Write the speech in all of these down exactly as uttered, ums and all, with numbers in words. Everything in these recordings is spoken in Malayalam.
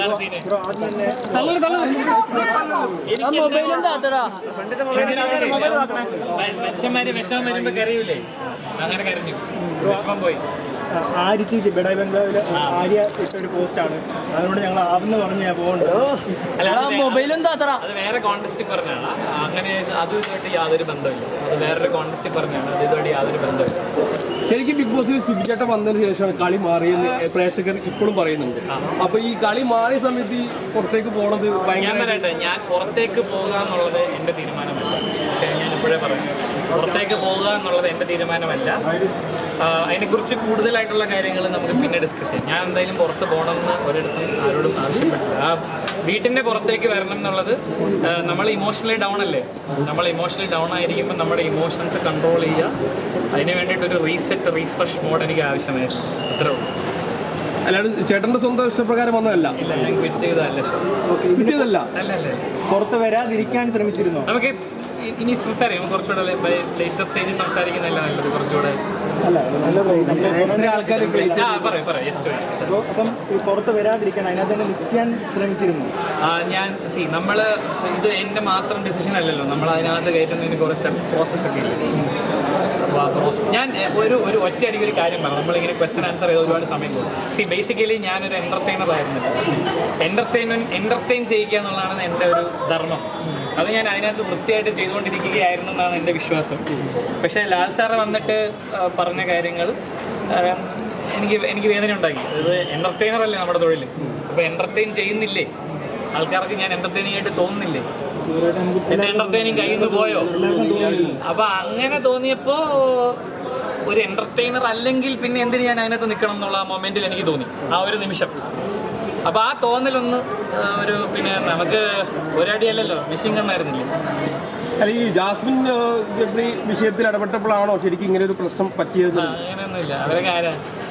മനുഷ്യന്മാര് വിഷമം വരുമ്പോ കരയൂലേ, അങ്ങനെ കരഞ്ഞു, വിഷമം പോയി. ആര്യ ചേച്ചി ബെഡായി ബംഗ്ലാവില് ആര്യ ഇട്ടൊരു പോസ്റ്റാണ്, അതുകൊണ്ട് ഞങ്ങൾ ആവെന്ന് പറഞ്ഞ് ഞാൻ പോകുന്നുണ്ട്. മൊബൈലും അത് വേറെ കോൺടെസ്റ്റിൽ പറഞ്ഞാണ്, അങ്ങനെ അതും ഇതുമായിട്ട് യാതൊരു ബന്ധമില്ല. അത് വേറൊരു കോൺടെസ്റ്റിൽ പറഞ്ഞാണ്, അത് ഇതുമായിട്ട് യാതൊരു ബന്ധമില്ല. ശരിക്കും ബിഗ് ബോസിൽ സിബിചേട്ടൻ വന്നതിന് ശേഷമാണ് കളി മാറിയെന്ന് പ്രേക്ഷകർ ഇപ്പോഴും പറയുന്നുണ്ട്. അപ്പൊ ഈ കളി മാറിയ സമയത്ത് ഈ പുറത്തേക്ക് പോകണത് ഞാൻ പറയട്ടെ, ഞാൻ പുറത്തേക്ക് പോകുക എന്നുള്ളത് എൻ്റെ തീരുമാനമല്ല. ഞാൻ ഇപ്പോഴേ പറഞ്ഞു, പുറത്തേക്ക് പോകുക എന്നുള്ളത് എൻ്റെ തീരുമാനമല്ല. അതിനെക്കുറിച്ച് കൂടുതലായിട്ടുള്ള കാര്യങ്ങൾ നമുക്ക് പിന്നെ ഡിസ്കസ് ചെയ്യാം. ഞാൻ എന്തായാലും പുറത്ത് പോകണമെന്ന് ഒരിടത്തും ആരോടും ആവശ്യപ്പെട്ടില്ല. ആ വീട്ടിൻ്റെ പുറത്തേക്ക് വരണം എന്നുള്ളത്, നമ്മൾ ഇമോഷണലി ഡൗൺ അല്ലേ, നമ്മൾ ഇമോഷണലി ഡൗൺ ആയിരിക്കുമ്പോൾ നമ്മുടെ ഇമോഷൻസ് കൺട്രോൾ ചെയ്യുക. അതിന് വേണ്ടിയിട്ടൊരു റീസെറ്റ് റീഫ്രഷ് മോഡ് എനിക്ക് ആവശ്യമായിരുന്നു, അത്രേ ഉള്ളൂ. അല്ലാണ്ട് ചേട്ടൻ്റെ സ്വന്തം ഇഷ്ടപ്രകാരം വന്നതല്ല. ഇല്ല, ഞാൻ ക്വിറ്റ് ചെയ്തതല്ല. ക്വിറ്റ് അല്ലല്ലേ, പുറത്ത് വരാതിരിക്കാൻ ശ്രമിച്ചിരുന്നു. നമുക്ക് ഇനി സംസാരിക്കും, കുറച്ചുകൂടെ ലേറ്റസ്റ്റ് സ്റ്റേജിൽ സംസാരിക്കുന്നതല്ല നല്ലത്, കുറച്ചുകൂടെ ആൾക്കാർ. അപ്പം പുറത്ത് വരാതിരിക്കാൻ അതിനകത്ത് തന്നെ നിൽക്കാൻ ശ്രമിച്ചിരുന്നു. ഞാൻ സി നമ്മൾ ഇത് എൻ്റെ മാത്രം ഡിസിഷൻ അല്ലല്ലോ, നമ്മൾ അതിനകത്ത് കയറ്റുന്നതിന് കുറേ സ്റ്റെപ്പ് പ്രോസസ്സൊക്കെ ഇല്ല. അപ്പോൾ ആ പ്രോസസ്സ് ഞാൻ ഒരു ഒരു ഒറ്റയടിക്ക് ഒരു കാര്യം പറഞ്ഞു, നമ്മളിങ്ങനെ ക്വസ്റ്റ്യൻ ആൻസർ ചെയ്ത് ഒരുപാട് സമയം പോകും. സി ബേസിക്കലി ഞാനൊരു എൻ്റർടൈനർ ആയിരുന്നില്ല. എൻ്റർടൈൻമെൻറ്റ് എൻ്റർടൈൻ ചെയ്യിക്കുക എന്നുള്ളതാണ് എൻ്റെ ഒരു ധർമ്മം. അത് ഞാൻ അതിനകത്ത് വൃത്തിയായിട്ട് ചെയ്തുകൊണ്ടിരിക്കുകയായിരുന്നു എന്നാണ് എൻ്റെ വിശ്വാസം. പക്ഷേ ലാൽ സാറ് വന്നിട്ട് പറഞ്ഞ കാര്യങ്ങൾ എനിക്ക് എനിക്ക് വേദന ഉണ്ടാക്കി. അത് എൻ്റർടൈനർ അല്ലേ നമ്മുടെ തൊഴിൽ, അപ്പോൾ എൻ്റർടൈൻ ചെയ്യുന്നില്ലേ ആൾക്കാർക്ക്, ഞാൻ എൻ്റർടൈനിങ് ആയിട്ട് തോന്നുന്നില്ലേ, എൻ്റെ എൻ്റർടൈനിങ് കയ്യിൽ നിന്ന് പോയോ? അപ്പോൾ അങ്ങനെ തോന്നിയപ്പോൾ ഒരു എൻ്റർടൈനർ അല്ലെങ്കിൽ പിന്നെ എന്തിന് ഞാൻ അതിനകത്ത് നിൽക്കണം എന്നുള്ള ആ മൊമെൻറ്റിൽ എനിക്ക് തോന്നി, ആ ഒരു നിമിഷം. അപ്പോൾ ആ തോന്നലൊന്ന് ഒരു പിന്നെ നമുക്ക് ഒരടിയല്ലല്ലോ, മെഷീൻ ഗണ്ണായിരുന്നില്ലേ. അല്ല, ഈ ജാസ്മിൻ ഗബ്രി വിഷയത്തിൽ ഇടപെട്ടപ്പോഴാണോ ശരിക്കും ഇങ്ങനെ ഒരു പ്രശ്നം പറ്റിയത്? അങ്ങനെയൊന്നുമില്ല, അവരൊക്കെ ആരാ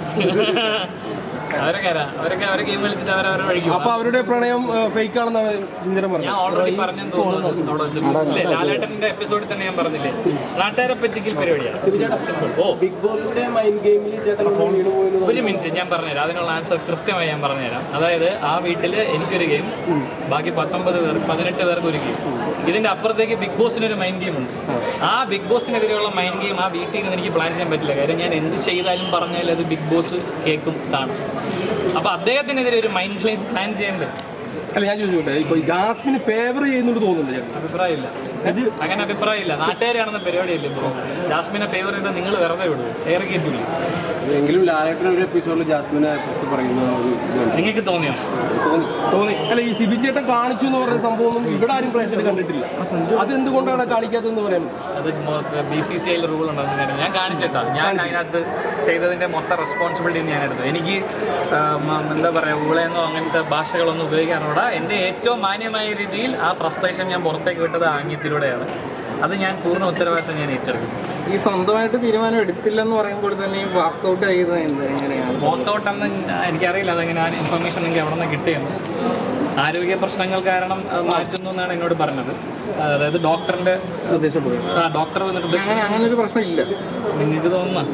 അവരൊക്കെ ആരാ അവരൊക്കെ അവരെ ഗെയിം കളിച്ചിട്ട് അവരവരെ വഴിക്കും. അപ്പൊ അവരുടെ പ്രണയം ഫേക്ക് ആണെന്നാണ് ചിന്തനം പറഞ്ഞത്. ഞാൻ ഓൾറെഡി പറഞ്ഞെന്ന് തോന്നുന്നു അവിടെ വെച്ചിട്ട്. ലാലേട്ടന്റെ എപ്പിസോഡിൽ തന്നെ ഞാൻ പറഞ്ഞില്ലേ, നാട്ടുകാരെ പറ്റിക്കൽ പരിപാടിയാണ്. ഓ, ബിഗ് ബോസിന്റെ മൈൻഡ് ഗെയിമിൽ ഒരു മിനിറ്റ് ഞാൻ പറഞ്ഞുതരാം, അതിനുള്ള ആൻസർ കൃത്യമായി ഞാൻ പറഞ്ഞുതരാം. അതായത് ആ വീട്ടിൽ എനിക്കൊരു ഗെയിം, ബാക്കി പത്തൊമ്പത് പേർ പതിനെട്ട് പേർക്ക് ഒരു ഗെയിം. ഇതിന്റെ അപ്പുറത്തേക്ക് ബിഗ് ബോസിനൊരു മൈൻഡ് ഗെയിം ഉണ്ട്. ആ ബിഗ് ബോസിനെതിരെയുള്ള മൈൻഡ് ഗെയിം ആ വീട്ടിൽ നിന്ന് എനിക്ക് പ്ലാൻ ചെയ്യാൻ പറ്റില്ല. കാര്യം ഞാൻ എന്ത് ചെയ്താലും പറഞ്ഞാൽ അത് ബിഗ് ബോസ് കേൾക്കും, കാണും. അപ്പൊ അദ്ദേഹത്തിനെതിരെ ഒരു മൈൻഡ് ഗെയിം പ്ലാൻ ചെയ്യേണ്ടത്. അല്ല, ഞാൻ ചോദിച്ചോട്ടെ, ഇപ്പൊ ജാസ്മിന് ഫേവർ ചെയ്യുന്നുണ്ട് തോന്നുന്നില്ല? അഭിപ്രായമില്ല, അങ്ങനെ അഭിപ്രായമില്ല. നാട്ടുകാരാണെന്ന പരിപാടിയല്ലേ ബ്രോ. ജാസ്മിനെ ഫേവർ ചെയ്താൽ നിങ്ങൾ വെറുതെ വിടും, ഏറെ കേട്ടില്ല. എങ്കിലും ലാലേട്ടൻ ഒരു എപ്പിസോഡിൽ ജാസ്മിനെ കുറിച്ച് പറയുന്നത് നിങ്ങൾക്ക് തോന്നിയോ? തോന്നി തോന്നി അല്ല, ഈ സിബിൻ ചേട്ടൻ കാണിച്ചു എന്ന് പറയുന്ന സംഭവം ഇവിടെ ആരും പ്രേക്ഷകർ കണ്ടിട്ടില്ല. അതെന്തുകൊണ്ടാണ് കാണിക്കാത്തതെന്ന് പറയുന്നത്? അത് ബി സി സി ഐയിൽ റൂൾ ഉണ്ടെന്ന് ഞാൻ കാണിച്ചിട്ടാ. ഞാൻ അതിനകത്ത് ചെയ്തതിന്റെ മൊത്തം റെസ്പോൺസിബിലിറ്റി ഞാൻ എടുത്തു. എനിക്ക് എന്താ പറയുക, ഊളയെന്നോ അങ്ങനത്തെ ഭാഷകളൊന്നും ഉപയോഗിക്കാനോടാ. എൻ്റെ ഏറ്റവും മാന്യമായ രീതിയിൽ ആ ഫ്രസ്ട്രേഷൻ ഞാൻ പുറത്തേക്ക് വിട്ടത് ആംഗ്യത്തിലൂടെയാണ്. അത് ഞാൻ പൂർണ്ണ ഉത്തരവാദിത്തം ഞാൻ ഏറ്റെടുക്കും. ഈ സ്വന്തമായിട്ട് തീരുമാനം എടുത്തില്ലെന്ന് പറയുമ്പോൾ തന്നെ ഈ വാക്കൗട്ട് ചെയ്തത് എന്ത് എങ്ങനെയാണ്? വാക്കൗട്ട് എന്ന് എനിക്കറിയില്ല, അതെങ്ങനെ ആ ഇൻഫർമേഷൻ എനിക്ക് അവിടെ നിന്ന് കിട്ടിയെന്ന്. ആരോഗ്യ പ്രശ്നങ്ങൾ കാരണം മാറ്റുന്നു എന്നാണ് എന്നോട് പറഞ്ഞത്. അതായത് ഡോക്ടറിന്റെ നിർദ്ദേശം, ആ ഡോക്ടർ നിർദ്ദേശം. അങ്ങനെ ഒരു പ്രശ്നമില്ല നിങ്ങൾക്ക് തോന്നുന്ന?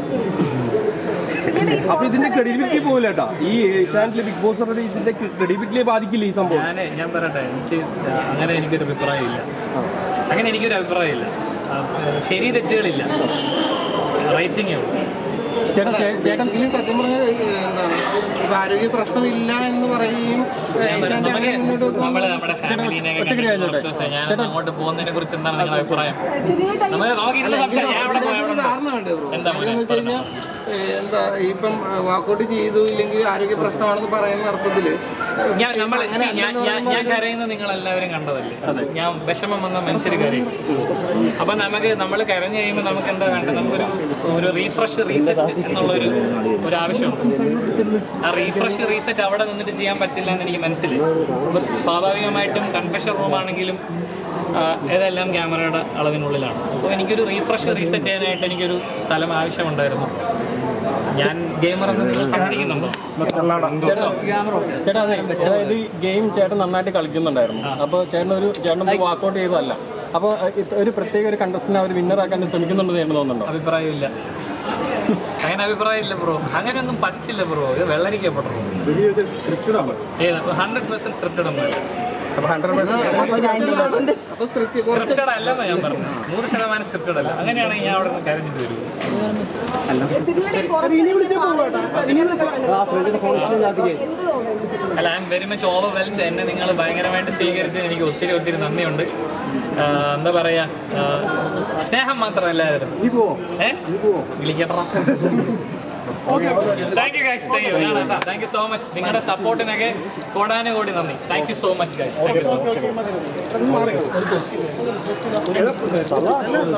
അപ്പൊ ഇതിന്റെ ക്രെഡിബിലിറ്റി പോകില്ല കേട്ടോ. ഈ ഏഷ്യാനെറ്റിലെ ബിഗ് ബോസ് ഇതിന്റെ ക്രെഡിബിലിറ്റിയെ ബാധിക്കില്ല ഈ സംഭവം. ഞാൻ ഞാൻ പറയട്ടെ, എനിക്ക് അങ്ങനെ എനിക്കൊരു അഭിപ്രായമില്ല. അങ്ങനെ എനിക്കൊരു അഭിപ്രായമില്ല. ശരി തെറ്റുകളില്ല, റേറ്റിംഗേ ഉള്ളൂ. സത്യം പറഞ്ഞാൽ എന്താണ്, ഇപ്പൊ ആരോഗ്യ പ്രശ്നമില്ല എന്ന് പറയുകയും നമ്മള് നമ്മുടെ ഫാമിലിനെ ഞാൻ അങ്ങോട്ട് പോകുന്നതിനെ കുറിച്ച് എന്താണ് നിങ്ങളുടെ അഭിപ്രായം? എന്താ എന്താ ഇപ്പം വാക്കൗട്ട് ചെയ്തു ഇല്ലെങ്കിൽ ആരോഗ്യ പ്രശ്നമാണെന്ന് പറയുന്ന അർത്ഥത്തില് ഞാൻ നമ്മൾ ഞാൻ കരയുന്നത് നിങ്ങൾ എല്ലാവരും കണ്ടതല്ലേ. അതെ, ഞാൻ വിഷമം വന്ന മനുഷ്യർ കരയും. അപ്പൊ നമുക്ക് നമ്മൾ കരഞ്ഞു കഴിയുമ്പോൾ നമുക്ക് എന്താ വേണ്ടത്? നമുക്കൊരു ഒരു റീഫ്രഷ് റീസെറ്റ് എന്നുള്ളൊരു ഒരു ആവശ്യമുണ്ട്. ആ റീഫ്രഷ് റീസെറ്റ് അവിടെ നിന്നിട്ട് ചെയ്യാൻ പറ്റില്ല എന്ന് എനിക്ക് മനസ്സിലായി. അപ്പം സ്വാഭാവികമായിട്ടും കൺഫെഷൻ റൂമാണെങ്കിലും ഇതെല്ലാം ക്യാമറയുടെ അളവിനുള്ളിലാണ്. അപ്പോൾ എനിക്കൊരു റീഫ്രഷ് റീസെറ്റ് ചെയ്യാനായിട്ട് എനിക്കൊരു സ്ഥലം ആവശ്യമുണ്ടായിരുന്നു. ഞാൻ ഗെയിമർ എന്ന് നിങ്ങൾ സമ്മതിക്കുന്നുണ്ടോ? ചേട്ടാ, അതായത് ഗെയിം ചേട്ടൻ നന്നായിട്ട് കളിക്കുന്നുണ്ടായിരുന്നു. അപ്പോൾ ചേട്ടൻ ഒരു ചേട്ടൻ വാക്കൗട്ട് ചെയ്തതല്ല. അപ്പോൾ ഒരു പ്രത്യേക ഒരു കണ്ടസ്റ്റന്റ് അവർ വിന്നറാക്കാൻ ശ്രമിക്കുന്നുണ്ടെന്ന് ചേട്ടൻ തോന്നുന്നുണ്ടോ? അഭിപ്രായമില്ല, അങ്ങനെ അഭിപ്രായമില്ല ബ്രോ. അങ്ങനെയൊന്നും പറ്റില്ല ബ്രോ, ഇത് വെള്ളരിക്കപ്പെട്ടോ. ഹൺഡ്രഡ് പെർസെന്റ് സ്ക്രിപ്റ്റഡ് ഒന്നുമല്ല. അപ്പോൾ ഹൺഡ്രഡ് സ്ക്രിപ്റ്റഡ് അല്ലെന്ന് ഞാൻ പറഞ്ഞു. നൂറ് ശതമാനം സ്ക്രിപ്റ്റഡ് അല്ല. അങ്ങനെയാണെങ്കിൽ ഞാൻ അവിടെ നിന്ന് കരഞ്ഞിട്ട് വരും. അല്ല, I'm very much overwhelmed. എന്നെ നിങ്ങൾ ഭയങ്കരമായിട്ട് സ്വീകരിച്ചതിന് എനിക്ക് ഒത്തിരി ഒത്തിരി നന്ദിയുണ്ട്. എന്താ പറയാ, സ്നേഹം മാത്രമല്ലായിരുന്നു. ഏഹ് വിളിക്കട്ടാ. Thank you guys. Thank you so much. നിങ്ങളുടെ സപ്പോർട്ടിനൊക്കെ കോടാനുകോടി നന്ദി. Thank you so much guys. Thank you so much.